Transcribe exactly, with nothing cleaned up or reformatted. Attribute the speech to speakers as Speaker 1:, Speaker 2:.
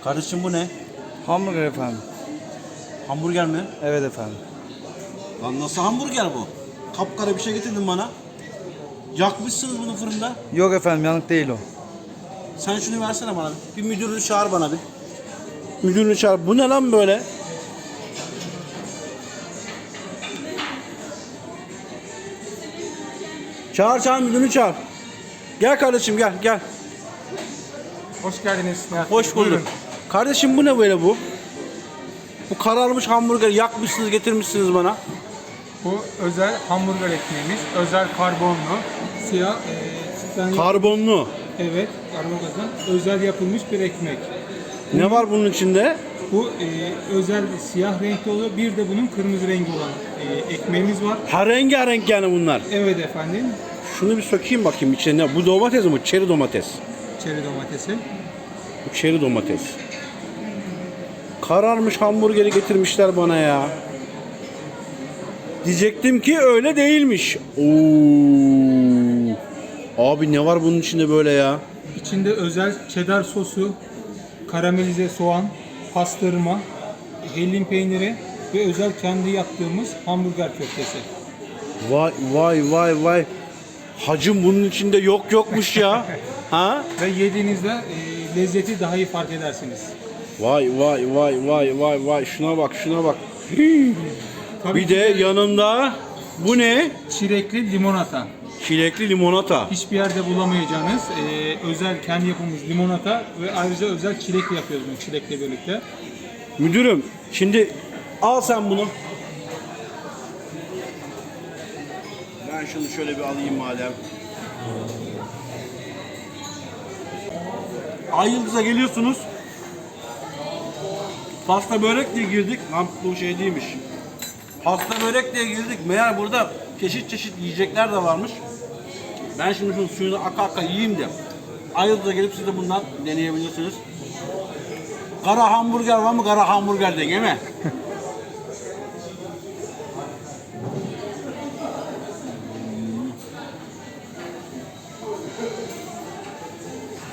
Speaker 1: Kardeşim bu ne?
Speaker 2: Hamburger efendim.
Speaker 1: Hamburger mi?
Speaker 2: Evet efendim.
Speaker 1: Lan nasıl hamburger bu? Kapkara bir şey getirdin bana. Yakmışsınız bunu fırında.
Speaker 2: Yok efendim, yanık değil o.
Speaker 1: Sen şunu versene bana. Bir müdürünü çağır bana bir. Müdürünü çağır. Bu ne lan böyle? Çağır çağır müdürünü çağır. Gel kardeşim gel gel.
Speaker 3: Hoş geldiniz. Nihat
Speaker 1: Hoş
Speaker 3: Bey.
Speaker 1: bulduk.
Speaker 3: Buyurun.
Speaker 1: Kardeşim bu ne böyle bu? Bu kararmış hamburger yakmışsınız getirmişsiniz bana.
Speaker 3: Bu özel hamburger ekmeğimiz. Özel karbonlu. Siyah. E, sütten-
Speaker 1: Karbonlu.
Speaker 3: evet. Karbonludan özel yapılmış bir ekmek.
Speaker 1: Ne var bunun içinde?
Speaker 3: Bu e, özel siyah renkli oluyor. Bir de bunun kırmızı rengi olan e, ekmeğimiz var.
Speaker 1: Ha rengarenk yani bunlar.
Speaker 3: Evet efendim.
Speaker 1: Şunu bir sökeyim bakayım içine. Bu domates mi? Çeri domates.
Speaker 3: Çeri domatesi.
Speaker 1: Bu çeri domates. Kararmış hamburgeri getirmişler bana ya. Diyecektim ki öyle değilmiş. Oo. Abi ne var bunun içinde böyle ya?
Speaker 3: İçinde özel cheddar sosu, karamelize soğan, pastırma, hellim peyniri ve özel kendi yaptığımız hamburger köftesi.
Speaker 1: Vay vay vay vay. Hacım bunun içinde yok yokmuş ya. Ha?
Speaker 3: Ve yediğinizde e, lezzeti daha iyi fark edersiniz.
Speaker 1: Vay vay vay vay vay vay. Şuna bak şuna bak. Hii.
Speaker 3: Tabii
Speaker 1: Bir
Speaker 3: ki
Speaker 1: de yanında bu ne?
Speaker 3: çilekli limonata.
Speaker 1: Çilekli limonata.
Speaker 3: Hiçbir yerde bulamayacağınız e, özel kendi yapımız limonata ve ayrıca özel çilekle yapıyoruz bunu çilekle birlikte.
Speaker 1: Müdürüm şimdi al sen bunu. Ben şunu şöyle bir alayım madem. Ay Yıldız'a geliyorsunuz. Pasta börek diye girdik. Lan bu şey değilmiş. Pasta börek diye girdik. Meğer burada çeşit çeşit yiyecekler de varmış. Ben şimdi şunun suyunu aka aka yiyeyim de Ay Yıldız'a gelip siz de bundan deneyebilirsiniz. Kara hamburger var mı? Kara hamburger de yeme.